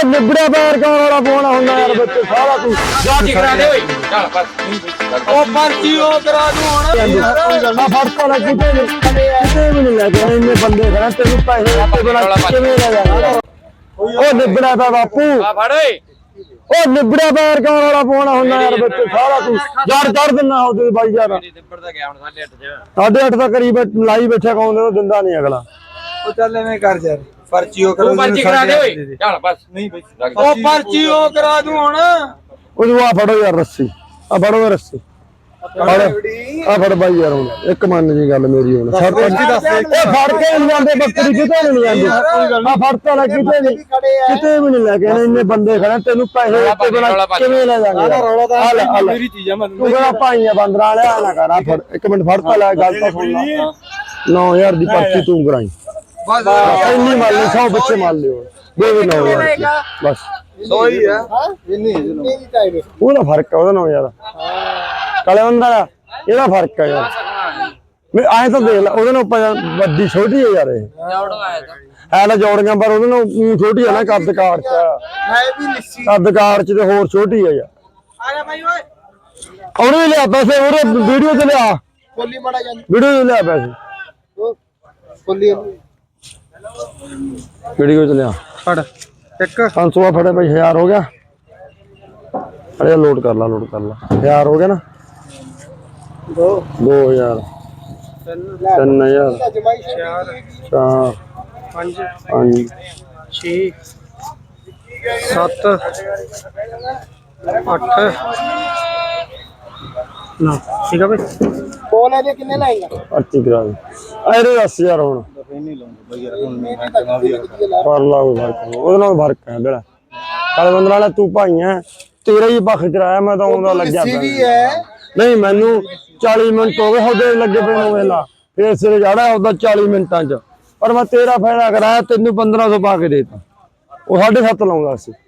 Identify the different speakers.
Speaker 1: ਉਹ ਨਿਬੜਿਆ ਪੈਰ ਕੌਣ ਵਾਲਾ ਫੋਨ ਹੁੰਦਾ ਯਾਰ ਬੱਚੇ ਸਾਰਾ ਤੂੰ
Speaker 2: ਜਾਤੀ ਕਰਾ ਦੇ ਓਏ ਚੱਲ ਬਸ ਉਹ ਪਰਚੀ ਉਹ ਕਰਾ ਦੂੰ ਹੁਣ
Speaker 1: ਆ ਫੜਤਾ ਲੱਗ ਕਿਤੇ ਵੀ ਨਹੀਂ ਲੈ ਕੇ ਇੰਨੇ ਬੰਦੇ ਖੜਾ ਤੈਨੂੰ ਪੈਸੇ ਆਪੇ ਬਣਾ ਕਿਵੇਂ ਲੈ ਜਾਣਾ ਉਹ ਨਿਬੜਿਆ ਪਾ ਬਾਪੂ
Speaker 2: ਆ ਫੜ ਓਏ
Speaker 1: ਉਹ ਨਿਬੜਿਆ ਪੈਰ ਕੌਣ ਵਾਲਾ ਫੋਨ ਹੁੰਦਾ ਯਾਰ ਬੱਚੇ ਸਾਰਾ ਤੂੰ ਯਾਰ ਚੜ ਦਿੰਨਾ ਹੋ ਤੂੰ ਬਾਈ ਯਾਰ
Speaker 2: ਨਿਬੜ ਦਾ ਗਿਆ ਹੁਣ 8:30 ਚ
Speaker 1: 8:30 ਦਾ ਕਰੀਬ ਲਾਈ ਬੈਠਾ ਕੌਣ ਉਹ ਦਿੰਦਾ ਨਹੀਂ ਅਗਲਾ
Speaker 3: ਉਹ ਚੱਲ ਐਵੇਂ ਕਰ ਯਾਰ ਪਰਚੀ ਉਹ
Speaker 2: ਉਹ ਪਰਚੀ ਕਰਾ ਦੇ ਓਏ ਚੱਲ ਬਸ
Speaker 3: ਨਹੀਂ ਬਈ
Speaker 2: ਉਹ ਪਰਚੀ ਉਹ ਕਰਾ ਦੂੰ ਹੁਣ
Speaker 1: ਉਹ ਆ ਫੜੋ ਯਾਰ ਰੱਸੀ ਆ ਫੜੋ ਰੱਸੀ ਫੜ ਆ ਫੜ ਬਾਈ ਯਾਰ ਹੁਣ ਇੱਕ ਮੰਨ ਜੀ ਗੱਲ ਮੇਰੀ ਹੁਣ ਸਰਪੰਚੀ ਦੱਸ ਇਹ ਫੜ ਕੇ ਨਹੀਂ ਜਾਂਦੇ ਬੱਕਰੀ ਕਿਤੇ ਨਹੀਂ ਜਾਂਦੇ ਆ ਫੜਤਾ ਲੱਗ ਕਿਤੇ ਵੀ ਨਹੀਂ ਲੈ ਕੇ ਇੰਨੇ ਬੰਦੇ ਖੜੇ ਤੈਨੂੰ ਪੈਸੇ ਉੱਤੇ ਬਣਾ ਕਿਵੇਂ ਲੈ ਜਾਣਗੇ
Speaker 3: ਮੇਰੀ ਚੀਜ਼ ਆ ਮੈਂ
Speaker 1: ਤੂੰ ਕਿਹੜਾ ਭਾਈਆਂ ਬੰਦਰਾਂ ਵਾਲਿਆ ਨਾ ਕਰ ਆ ਫੜ ਇੱਕ ਮਿੰਟ ਫੜਤਾ ਲੈ ਗੱਲ ਤਾਂ ਸੁਣ ਲਾ 9000 ਦੀ ਪਰਚੀ ਤੂੰ ਕਰਾਈ ਇੰਨੀ ਮੰਨ ਲਈ 100 ਬੱਚੇ ਮੰਨ ਲਿਓ ਦੇ 9000 ਬਸ
Speaker 3: ਸੋਈ ਆ ਇੰਨੀ
Speaker 1: ਉਹਦਾ ਫਰਕ ਆ ਉਹਦਾ ਨਾਲ ਯਾਰ ਕਾਲੇ ਬੰਦਾ ਇਹਦਾ ਫਰਕ ਆ ਯਾਰ ਮੈਂ ਆਏ ਤਾਂ ਦੇਖ ਲੈ ਉਹਦੇ ਨਾਲ ਵੱਡੀ ਛੋਟੀ ਹੈ ਯਾਰ ਇਹ ਹੈ ਨਾ ਜੋੜੀਆਂ ਪਰ ਉਹਦੇ ਨਾਲ ਛੋਟੀ ਹੈ ਨਾ ਕੱਦ ਕਾਰ ਚ
Speaker 3: ਮੈਂ ਵੀ ਲਿੱਸੀ
Speaker 1: ਕੱਦ ਕਾਰ ਚ ਤੇ ਹੋਰ ਛੋਟੀ ਹੈ ਯਾਰ
Speaker 3: ਆ ਜਾ ਬਾਈ ਓਏ
Speaker 1: ਉਹਨੇ ਲਿਆ ਪੈਸੇ ਉਹਦੇ ਵੀਡੀਓ ਤੇ ਲਿਆ
Speaker 3: ਕੋਲੀ ਮੜਾ ਜਾਂਦੀ
Speaker 1: ਵੀਡੀਓ ਤੇ ਲਿਆ ਪੈਸੇ
Speaker 3: ਕੋਲੀ
Speaker 1: ਵੀਡੀਓ ਤੇ ਲਿਆ
Speaker 3: ਫੜ ਇੱਕ
Speaker 1: 500 ਫੜੇ ਭਾਈ 1000 ਹੋ ਗਿਆ ਅਰੇ ਲੋਡ ਕਰ ਲਾ 1000 ਹੋ ਗਿਆ ਨਾ 2000 3000
Speaker 3: ਜਮਾਈ
Speaker 1: 4
Speaker 3: 5
Speaker 1: 5
Speaker 3: 6 7 8 ਨਾ ਠੀਕ ਆ ਬਈ ਕੋਲ ਇਹਦੇ ਕਿੰਨੇ ਲਾਏਗਾ
Speaker 1: ਪਰਚੀ ਕਰਾ ਦੇ ਅਰੇ 10000 ਹੁਣ
Speaker 3: ਨਹੀਂ ਲਾਉਂਦਾ ਬਈ ਯਾਰ ਹੁਣ ਮੈਂ ਜਮਾ ਵੀ
Speaker 1: ਕਰ ਲਾ ਉਹਦੇ ਨਾਲ ਫਰਕ ਹੈ ਬੇੜਾ ਕਾਲੇ ਬੰਦਰ ਵਾਲਾ ਤੂੰ ਭਾਈ ਹੈ ਤੇਰਾ ਹੀ ਪੱਖ ਚਰਾਇਆ ਮੈਂ ਤਾਂ ਆਉਂਦਾ ਲੱਗਿਆ ਨਹੀਂ ਮੈਨੂੰ 40 ਮਿੰਟ ਹੋ ਗਏ ਹੌਦੇ ਲੱਗੇ ਪਏ ਨੂੰ ਵੇਲਾ ਫੇਰ ਸਿਰੇ ਜਾੜਾ ਉਹਦਾ 40 ਮਿੰਟਾਂ ਚ ਪਰ ਮੈਂ ਤੇਰਾ ਫਾਇਦਾ ਕਰਾਇਆ ਤੈਨੂੰ 1500 ਪਾ ਕੇ ਦੇਤਾ ਉਹ 7.5 ਲਾਉਂਦਾ ਸੀ